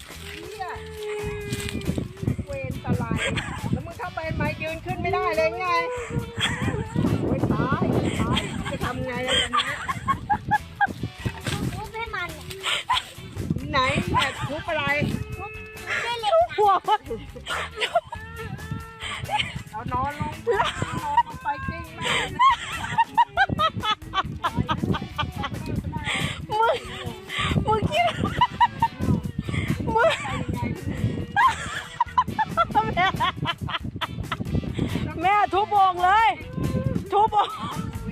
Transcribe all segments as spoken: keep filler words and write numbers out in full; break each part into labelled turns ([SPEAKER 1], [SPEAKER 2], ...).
[SPEAKER 1] เนี่ยเวรตะไลแล้วมึงเข้าไปไหมยืนขึ้นไม่ได้เลยไงโอ้ยตายตายจะทำไงล่ะตอนนี้
[SPEAKER 2] ทุบให้มัน
[SPEAKER 1] ไหนเนี่ยทุบอะไร
[SPEAKER 2] ทุบด้วยเหล็ก
[SPEAKER 3] หัว
[SPEAKER 1] เอานอนลงนอนลงไปจริงมาก
[SPEAKER 3] มึงมึงคิดมึงแม่แม่ทุบโอ่งเลยทุบโอ่ง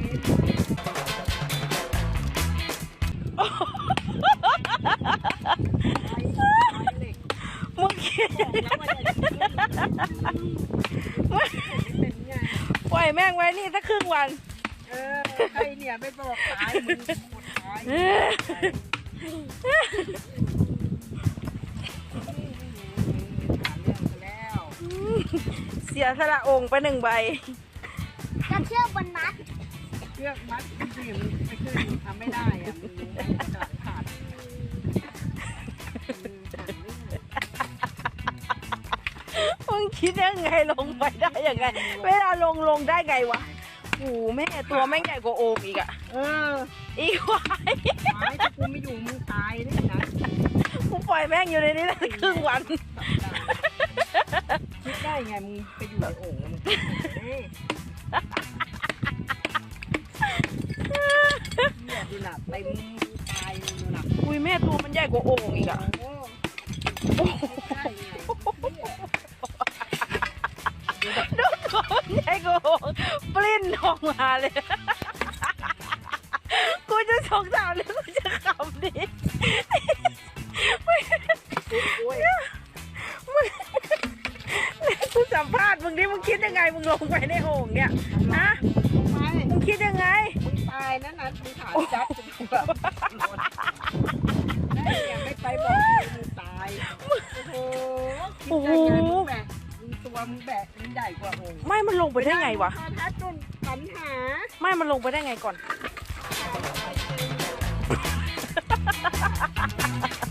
[SPEAKER 3] มึงคิดปล่อยแม่งไว้นี่สักครึ่งวัน
[SPEAKER 1] เออใครเนี่ยไม่บอกตายมึงหมดตายแล้ว
[SPEAKER 3] เสียสละองค์ไปหนึ่งใบ
[SPEAKER 2] จะเชือกบนมัด
[SPEAKER 1] เชือกมัดที่มันไม่ขึ้นทำไม่ได้อะมึงไม่ขาดขาด
[SPEAKER 3] มึงคิดยังไงลงไปได้ยังไงเวลาลงลงได้ไงวะโอ้แม่ตัวแม่งใหญ่กว่าโอ่งอีกอะ
[SPEAKER 1] เออ
[SPEAKER 3] อีควาย
[SPEAKER 1] ไม้ถ้ากูไม่อยู่มึงตายเลยนะ
[SPEAKER 3] กูปล่อยแม่งอยู่ในนี้ได้ครึ่งวัน
[SPEAKER 1] คิดได้ไงมึงไปอยู่ในโอ่งมึงเนี่ยดูหนักเต็มตายดูหนัก
[SPEAKER 3] อุ้ยแม่ตัวมันใหญ่กว่าโอ่งอีกอะ
[SPEAKER 1] โอ้ใช่ไง
[SPEAKER 3] ดูตัวมันใหญ่กว่าโอ่งปลิ้นออกมาเลยกูจะสงสารหรือกูจะขำดิมึงกูสัมภาษณ์มึงดิมึงคิดยังไงมึงลงไปในโอ่งเนี่ยฮะมึงคิดยังไง
[SPEAKER 1] มึงตายนั่นนะมึงถามจับจะถูกแบบได้ยังไม่ไปบอกมึงตายโอ้โหมึงแบกมึงตัวมึงแบกมึงใหญ่กว่าโอ่ง
[SPEAKER 3] ไม่มันลงไปได้ไงวะ
[SPEAKER 1] ถ้าจนปัญหา
[SPEAKER 3] ไม่มันลงไปได้ไงก่อน